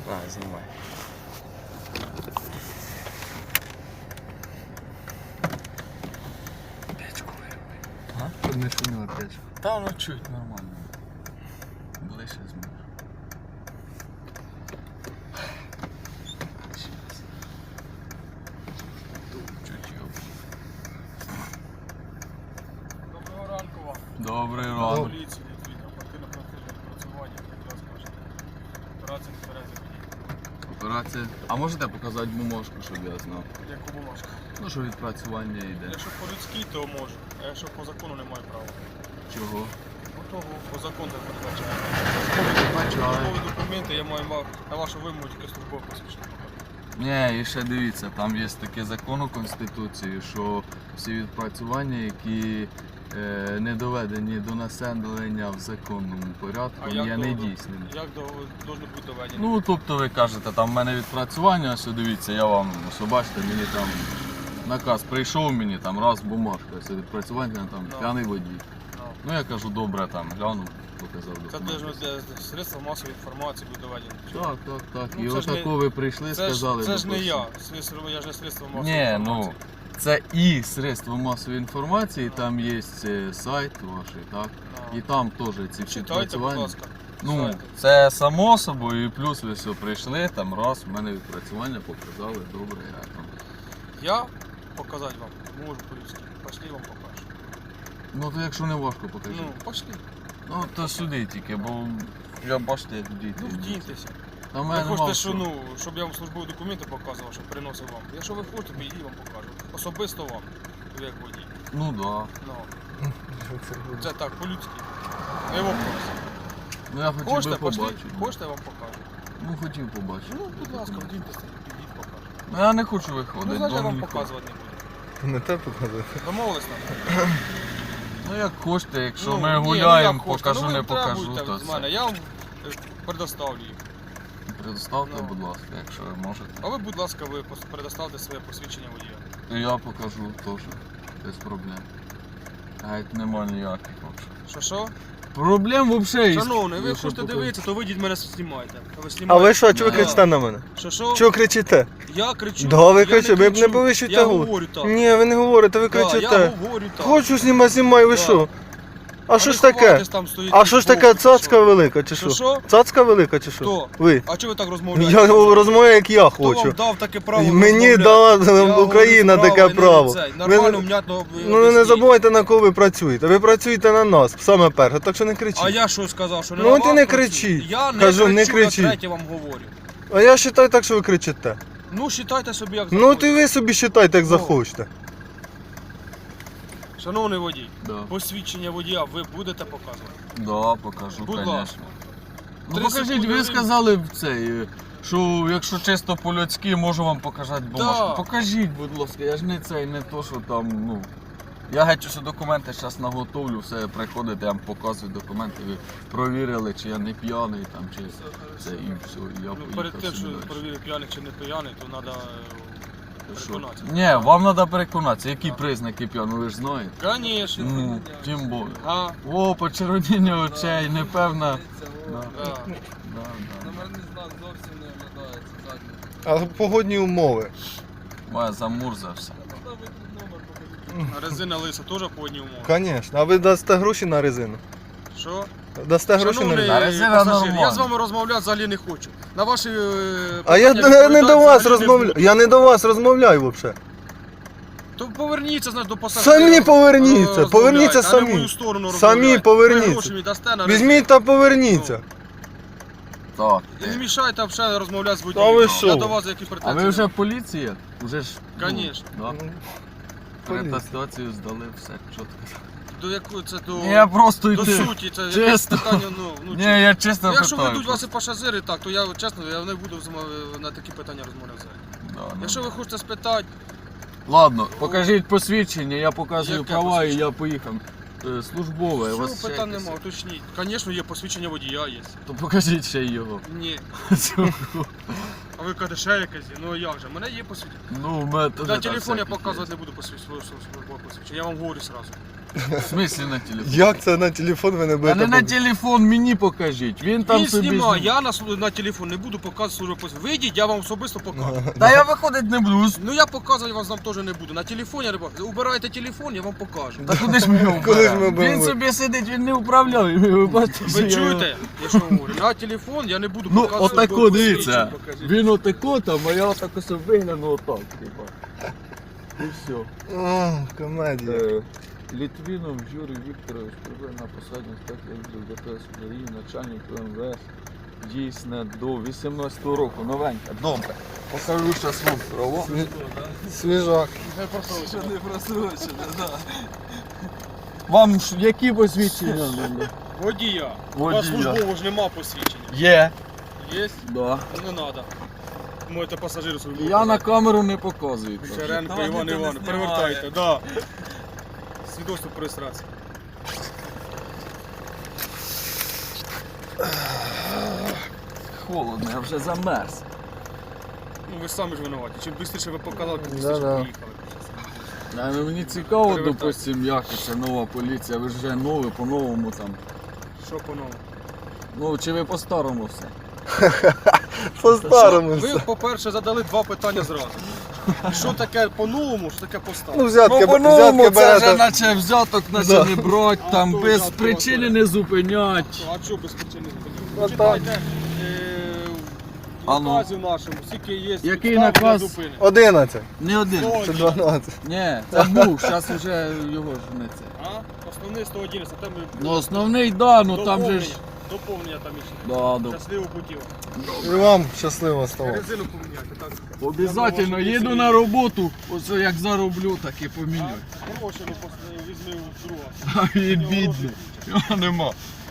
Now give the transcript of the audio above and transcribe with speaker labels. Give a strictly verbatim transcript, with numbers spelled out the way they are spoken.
Speaker 1: На, знімай. Печку вироби. А?
Speaker 2: Щоб не шуміла печка.
Speaker 1: Та воно чуть нормально. Ближче зможеш. Чуть його.
Speaker 3: Доброго ранку вам.
Speaker 1: Добрий ранок.
Speaker 3: Поліції, від оперативно-профільне працювання, як раз кажете. Операція не тверезий водій.
Speaker 1: Операція. А можете показати бумажку, щоб я знав?
Speaker 3: Яку бумажку?
Speaker 1: Ну, що відпрацювання йде.
Speaker 3: Якщо по-людськи, то можу. А якщо по закону немає права.
Speaker 1: Чого?
Speaker 3: По того, по закону не передбачає.
Speaker 1: Бачаю.
Speaker 3: Службові документи я маю ма- на вашу вимогу тільки службове посвідчення.
Speaker 1: Ні, і ще дивіться, там є таке закон у Конституції, що всі відпрацювання, які е, не доведені до населення в законному порядку, є
Speaker 3: до-
Speaker 1: недійсними.
Speaker 3: Як до, должно бути доведено?
Speaker 1: Ну, тобто ви кажете, там в мене відпрацювання, ось дивіться, я вам, ось бачите, мені там наказ прийшов, мені там раз бумажка, ось відпрацювання, там
Speaker 3: Ну.
Speaker 1: п'яний водій.
Speaker 3: Ну.
Speaker 1: Ну я кажу, добре, там глянув, показав
Speaker 3: Це
Speaker 1: документи.
Speaker 3: должно для средства масової інформації бути доведено.
Speaker 1: Так, так, так.
Speaker 3: Ну,
Speaker 1: І
Speaker 3: це ж не-
Speaker 1: отако ви прийшли,
Speaker 3: Це ж,
Speaker 1: сказали.
Speaker 3: це ж не
Speaker 1: допустим.
Speaker 3: я, Слідство- я ж не средство масової
Speaker 1: Ні,
Speaker 3: інформації.
Speaker 1: ну це і средства масової інформації, там є е, сайт ваш, так?
Speaker 3: Ну.
Speaker 1: І там теж ці всі
Speaker 3: Читайте, будь
Speaker 1: відпрацювання.
Speaker 3: ласка.
Speaker 1: Ну,
Speaker 3: Сайти.
Speaker 1: це само собою, і плюс ви все прийшли, там раз, в мене відпрацювання показали, добре, я там.
Speaker 3: Я показати вам можу по-людськи. Пошли, вам покажу.
Speaker 1: Ну то якщо не важко, покажіть.
Speaker 3: Ну, пошли.
Speaker 1: Ну то сюди тільки, бо я бачите, як діти.
Speaker 3: Ну, вдіньтеся.
Speaker 1: Та в
Speaker 3: Ви
Speaker 1: мене
Speaker 3: хочете,
Speaker 1: нема
Speaker 3: що,
Speaker 1: що.
Speaker 3: ну, щоб я вам службові документи показував, щоб приносив вам. Якщо ви хочете, то і вам покажу. Особисто вам, ви як водій.
Speaker 1: Ну да.
Speaker 3: Ну, це так, по-людськи. Не вопрос.
Speaker 1: Ну я хотів
Speaker 3: Хочете,
Speaker 1: би
Speaker 3: пошли.
Speaker 1: побачити.
Speaker 3: Хочете, я вам покажу.
Speaker 1: Ну хотів побачити.
Speaker 3: Ну, будь ласка, вдіньтеся, підіть, покажу.
Speaker 1: Ну я не хочу виходити.
Speaker 3: Ну, значить, я
Speaker 1: бо
Speaker 3: вам
Speaker 1: мені
Speaker 3: показувати не буду.
Speaker 2: Не те показати.
Speaker 3: Домовились нам?
Speaker 1: Ну як хочете, якщо
Speaker 3: Ну,
Speaker 1: ми
Speaker 3: ні, ну,
Speaker 1: гуляємо,
Speaker 3: як хочете.
Speaker 1: покажу,
Speaker 3: Ну, ви
Speaker 1: не покажу,
Speaker 3: требуйте
Speaker 1: то
Speaker 3: з мене.
Speaker 1: це.
Speaker 3: Я вам е, предоставлю їх.
Speaker 1: Предоставте,
Speaker 3: Ну.
Speaker 1: будь ласка, якщо ви можете.
Speaker 3: А ви, будь ласка, ви пос- предоставте своє посвідчення водія.
Speaker 1: То я покажу теж, без проблем. Геть нема ніяких взагалі.
Speaker 3: Що що?
Speaker 1: Проблем взагалі.
Speaker 3: Шановний, ви
Speaker 1: якщо
Speaker 3: хочете
Speaker 1: покажу.
Speaker 3: дивитися, то вийдіть мене знімайте. А ви
Speaker 2: А
Speaker 3: знімаєте?
Speaker 2: ви що, чого ви
Speaker 1: Да.
Speaker 2: кричите на мене?
Speaker 3: Що що?
Speaker 2: Чого кричите?
Speaker 3: Я кричу.
Speaker 2: Да, ви
Speaker 3: я
Speaker 2: кричите, ви б не
Speaker 3: кричу.
Speaker 2: повищуйте
Speaker 3: Я
Speaker 2: голос.
Speaker 3: говорю так.
Speaker 2: Ні, ви не говорите, ви
Speaker 3: Да, я
Speaker 2: кричите.
Speaker 3: говорю так.
Speaker 2: Хочу знімати, знімай, ви
Speaker 3: Да.
Speaker 2: що? А що
Speaker 3: ви
Speaker 2: ж таке?
Speaker 3: ховаєтесь там, стоїте
Speaker 2: А що ж
Speaker 3: збоку,
Speaker 2: таке,
Speaker 3: чи
Speaker 2: цацка
Speaker 3: що?
Speaker 2: велика чи
Speaker 3: Що,
Speaker 2: що?
Speaker 3: що?
Speaker 2: Цацка велика чи що?
Speaker 3: Хто?
Speaker 2: Ви.
Speaker 3: А чого ви так розмовляєте?
Speaker 2: Я розмовляю, як я
Speaker 3: Хто вам
Speaker 2: хочу.
Speaker 3: дав таке право
Speaker 2: Мені
Speaker 3: розмовляти?
Speaker 2: дала
Speaker 3: Я
Speaker 2: Україна
Speaker 3: говорю
Speaker 2: таке
Speaker 3: право,
Speaker 2: право.
Speaker 3: і не цей.
Speaker 2: Ви
Speaker 3: Нормально,
Speaker 2: не-
Speaker 3: внятно
Speaker 2: Ну не
Speaker 3: об'ясніть.
Speaker 2: забувайте, на кого ви працюєте. Ви працюєте на нас, саме перше, так що не кричіть.
Speaker 3: А я що сказав, що не
Speaker 2: Ну,
Speaker 3: на
Speaker 2: ти
Speaker 3: вас
Speaker 2: не
Speaker 3: працюю?
Speaker 2: кричи.
Speaker 3: Я не
Speaker 2: Кажу, не
Speaker 3: кричу,
Speaker 2: кричи.
Speaker 3: я третє вам говорю.
Speaker 2: А я вважаю так, що ви кричите.
Speaker 3: Ну, вважайте собі, як
Speaker 2: Ну
Speaker 3: захочете.
Speaker 2: то ви собі вважайте, як
Speaker 3: Ну.
Speaker 2: захочете.
Speaker 3: Шановний водій,
Speaker 1: Да.
Speaker 3: посвідчення водія ви будете показувати?
Speaker 1: Да, покажу,
Speaker 3: Будь
Speaker 1: звісно.
Speaker 3: ласка.
Speaker 1: Ну
Speaker 3: Три
Speaker 1: покажіть,
Speaker 3: секунди
Speaker 1: ви
Speaker 3: время.
Speaker 1: сказали в цей, е, що якщо чисто по-людськи, можу вам показати бумажку.
Speaker 3: Да.
Speaker 1: Покажіть, будь ласка, я ж не цей, не то, що там, ну. Я геть усі документи зараз наготовлю, все приходите, я вам показую документи, ви провірили, чи я не п'яний там, чи це і все, і я
Speaker 3: Ну,
Speaker 1: поїхав
Speaker 3: перед тим,
Speaker 1: собі
Speaker 3: що
Speaker 1: далі.
Speaker 3: перевірити п'яний чи не п'яний, то треба
Speaker 1: Що?
Speaker 3: переконатися.
Speaker 1: Ні, вам треба переконатися, які
Speaker 3: А.
Speaker 1: признаки п'яного, ви ж знаєте.
Speaker 3: Звісно.
Speaker 1: Ну, тим більше.
Speaker 3: А,
Speaker 1: О, почервоніння очей, непевна. Да,
Speaker 3: да.
Speaker 1: да, да.
Speaker 4: Номерний знак зовсім не оглядається задній.
Speaker 2: А погодні умови.
Speaker 1: Моя замурзався.
Speaker 4: Туди виклик номер покажіть.
Speaker 3: А резина лиса теж по одній умові.
Speaker 2: Звісно. А ви дасте гроші на резину?
Speaker 3: Що?
Speaker 2: Дасте гроші на
Speaker 3: Шановний
Speaker 2: резину?
Speaker 1: На резина
Speaker 3: пасажир, я
Speaker 1: нормально.
Speaker 3: з вами розмовляти взагалі не хочу. На ваші е,
Speaker 2: А я
Speaker 3: питання
Speaker 2: не, не
Speaker 3: відповідати
Speaker 2: до вас
Speaker 3: взагалі не
Speaker 2: розмовляю.
Speaker 3: буду.
Speaker 2: Я не до вас розмовляю взагалі.
Speaker 3: То поверніться, знаєш, до пасажира.
Speaker 2: Самі поверніться,
Speaker 3: Розмовляйте,
Speaker 2: поверніться
Speaker 3: а не в
Speaker 2: самі.
Speaker 3: мою сторону
Speaker 2: Самі
Speaker 3: розмовляйте.
Speaker 2: поверніться.
Speaker 3: Ви гроші мені дасте на резину.
Speaker 2: Візьміть та поверніться.
Speaker 1: Так.
Speaker 3: І не мішайте взагалі розмовляти з
Speaker 2: Та
Speaker 3: водієм.
Speaker 2: ви
Speaker 3: Я
Speaker 2: що?
Speaker 3: до вас які
Speaker 1: А
Speaker 3: претензії.
Speaker 1: ви вже поліція? Уже ж. ну,
Speaker 3: Конечно.
Speaker 1: Да.
Speaker 2: Поліція.
Speaker 1: Атестацію здали, все чітко.
Speaker 3: До якої це до,
Speaker 1: Ні, я просто
Speaker 3: до
Speaker 1: йти.
Speaker 3: суті, це якесь
Speaker 1: Чесно.
Speaker 3: питання, ну, ну
Speaker 1: Ні, я чесно
Speaker 3: ну, якщо
Speaker 1: питаю.
Speaker 3: ведуть вас і пасажири, так, то я чесно, я не буду з вами на такі питання розмовляти.
Speaker 1: Да, ну.
Speaker 3: Якщо ви хочете спитати,
Speaker 1: Ладно, покажіть посвідчення, я показую
Speaker 3: Яке
Speaker 1: права і
Speaker 3: посвідчення?
Speaker 1: я поїхав. Е, Службове, у
Speaker 3: що
Speaker 1: вас ще
Speaker 3: питань
Speaker 1: якесь?
Speaker 3: немає, уточніть. Звісно, є посвідчення водія є.
Speaker 1: То покажіть ще й його.
Speaker 3: Ні.
Speaker 1: Цього.
Speaker 3: А ви кажете, ще якесь є. Ну як же, в мене є посвідчення.
Speaker 1: Ну, в мене теж
Speaker 3: На
Speaker 1: там
Speaker 3: телефон я
Speaker 1: всяких
Speaker 3: показувати
Speaker 1: є.
Speaker 3: не буду посвідчення, своє службове посвідчення. Я вам говорю сразу.
Speaker 1: В смислі на телефон?
Speaker 2: Як це на телефон ви не
Speaker 1: А
Speaker 2: будете?
Speaker 1: не на
Speaker 2: пок-
Speaker 1: телефон, мені покажіть. Він там
Speaker 3: Він
Speaker 1: собі.
Speaker 3: знімає,
Speaker 1: зні-
Speaker 3: я на, слу- на телефон не буду показувати службу посвідчення. Вийдіть, я вам особисто покажу.
Speaker 1: Та я виходить не буду.
Speaker 3: Ну я показувати вам теж не буду. На телефоні я не покажу. Убирайте телефон, я вам покажу.
Speaker 1: Та куди ж ми його
Speaker 2: Коли ж ми
Speaker 1: вберемо? Він
Speaker 2: будемо?
Speaker 1: собі сидить, він не управляє. Ви бачите, що
Speaker 3: Ви
Speaker 1: я його-
Speaker 3: чуєте? Я що говорю? На телефон я не буду
Speaker 1: Ну,
Speaker 3: показувати.
Speaker 1: отако,
Speaker 3: службове
Speaker 1: дивіться.
Speaker 3: посвідчення, покажіть.
Speaker 1: Він отако там, а я отако собі вигляну отак, типа. І все.
Speaker 2: О, комедія.
Speaker 1: Е, Літвінов Юрій Вікторович прибув на посаді інспектора ДПС України, начальник МВС. Дійсне до вісімнадцятого року. Новенька. Добре. Покажу зараз вам право.
Speaker 2: Свіжак.
Speaker 4: Що не просрочено, да.
Speaker 1: Вам ж які посвідчення треба?
Speaker 3: Водія. У вас
Speaker 1: Водія.
Speaker 3: службово ж нема посвідчення.
Speaker 1: Є.
Speaker 3: Є?
Speaker 1: Да.
Speaker 3: Ну, не треба. Можете пасажиру службово.
Speaker 1: Я на камеру не показую. так.
Speaker 3: Шеренко
Speaker 4: Та
Speaker 3: Іван
Speaker 4: ніхто не
Speaker 3: Іванович,
Speaker 4: знімає.
Speaker 3: перевертайте, да. Свідоцтво про реєстрацію.
Speaker 1: Холодно, я вже замерз.
Speaker 3: Ну ви самі ж винуваті. Чим швидше ви показали, тим швидше
Speaker 2: Да-да.
Speaker 3: поїхали.
Speaker 1: А, ну, мені цікаво,
Speaker 3: Перевертай.
Speaker 1: допустим, як це нова поліція, ви ж вже нові, по-новому там.
Speaker 3: Що по-новому?
Speaker 1: Ну, чи ви по-старому все?
Speaker 2: По-старому
Speaker 3: Ви,
Speaker 2: все.
Speaker 3: по-перше, задали два питання зразу. Що таке по-новому, що таке
Speaker 2: Ну,
Speaker 3: по-старому?
Speaker 2: взятки,
Speaker 1: Ну, по-новому
Speaker 2: взятки
Speaker 1: це вже
Speaker 2: берете.
Speaker 1: наче взяток наче
Speaker 2: Да.
Speaker 1: не брать,
Speaker 3: А
Speaker 1: там
Speaker 3: то
Speaker 1: без
Speaker 3: взятки
Speaker 1: причини
Speaker 3: брати.
Speaker 1: не зупинять.
Speaker 3: А що без причини зупинили?
Speaker 2: Ну,
Speaker 3: Читайте е, в
Speaker 1: А ну.
Speaker 3: наказі нашому, скільки є
Speaker 1: Який
Speaker 3: підстав для
Speaker 1: наказ?
Speaker 3: зупини.
Speaker 2: одинадцять
Speaker 1: Не один.
Speaker 3: Сто
Speaker 2: чи
Speaker 3: один.
Speaker 2: дванадцять.
Speaker 1: Ні, це був, зараз вже його ж не це.
Speaker 3: А? Основний сто одинадцять, там ми...
Speaker 1: Ну основний, да, ну там же ж.
Speaker 3: Доповнення там іще.
Speaker 1: Да, да.
Speaker 3: Щасливо путів.
Speaker 2: І вам щасливо ставати.
Speaker 3: Резину поміняти, так?
Speaker 1: Обязательно їду на роботу, оце як зароблю, так і поміню.
Speaker 3: Гроші ну, візьми у друга.
Speaker 1: А він бідний. Його нема.